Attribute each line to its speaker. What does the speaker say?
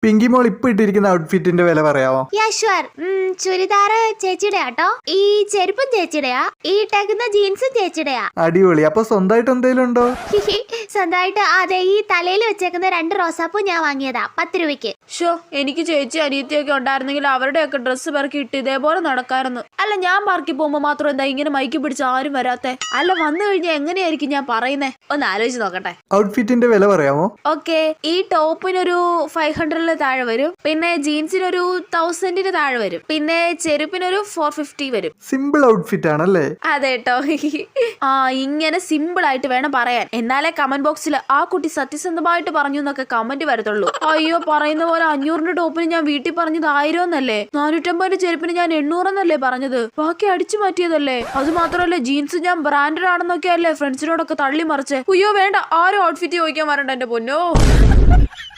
Speaker 1: പിങ്കി മോൾ ഇപ്പൊ ഇട്ടിരിക്കുന്ന ഔട്ട്ഫിറ്റിന്റെ വില പറയാമോ?
Speaker 2: ചുരിദാർ ചേച്ചിയുടെ ആട്ടോ, ഈ ചെരുപ്പും ചേച്ചിയുടെയാ, ഈ ഇട്ടേക്കുന്ന ജീൻസും ചേച്ചിയുടെയാ.
Speaker 1: അടിപൊളി. അപ്പൊ സ്വന്തമായിട്ട് എന്തെങ്കിലും ഉണ്ടോ?
Speaker 2: സ്വന്തമായിട്ട് അതെ, ഈ തലയിൽ വെച്ചേക്കുന്ന 2 റോസാപ്പൂ ഞാൻ വാങ്ങിയതാ 10 രൂപയ്ക്ക്.
Speaker 3: എനിക്ക് ചേച്ചി അനിയത്തിയൊക്കെ ഉണ്ടായിരുന്നെങ്കിൽ അവരുടെയൊക്കെ ഡ്രസ്സ് പെറുക്കി ഇട്ട് ഇതേപോലെ നടക്കായിരുന്നു. അല്ല, ഞാൻ പാർക്കിൽ പോകുമ്പോ മാത്രം എന്താ ഇങ്ങനെ മൈക്ക് പിടിച്ച് ആരും വരാത്തെ? അല്ല, വന്നു കഴിഞ്ഞാൽ എങ്ങനെയായിരിക്കും ഞാൻ പറയുന്നേ? ഒന്ന് ആലോചിച്ച് നോക്കട്ടെ.
Speaker 1: ഔട്ട്ഫിറ്റിന്റെ വില പറയാമോ?
Speaker 3: ഓക്കെ, ഈ ടോപ്പിനൊരു 500 താഴെ വരും, പിന്നെ ജീൻസിനൊരു 1000 താഴെ വരും, പിന്നെ ചെരുപ്പിനൊരു 450 വരും.
Speaker 1: സിമ്പിൾ ഔട്ട്ഫിറ്റ് ആണല്ലേ?
Speaker 3: അതെ കേട്ടോ. ഇങ്ങനെ സിമ്പിൾ ആയിട്ട് വേണം പറയാൻ, എന്നാലേ കമന്റ് ബോക്സിൽ ആ കുട്ടി സത്യസന്ധമായിട്ട് പറഞ്ഞു എന്നൊക്കെ കമന്റ് വരത്തുള്ളൂ. അയ്യോ, പറയുന്ന പോലെ 500 ടോപ്പിന് ഞാൻ വീട്ടിൽ പറഞ്ഞത് 1000 എന്നല്ലേ, 450 ചെരുപ്പിന് ഞാൻ 800 എന്നല്ലേ പറഞ്ഞത്, ബാക്കി അടിച്ചു മാറ്റിയതല്ലേ. അത് മാത്രമല്ല, ജീൻസ് ഞാൻ ബ്രാൻഡഡ് ആണെന്നൊക്കെ അല്ലേ ഫ്രണ്ട്സിനോടൊക്കെ തള്ളി മറിച്ച്. അയ്യോ വേണ്ട, ആരും ഔട്ട്ഫിറ്റ് ചോദിക്കാൻ വരണ്ട എന്റെ പൊന്നോ.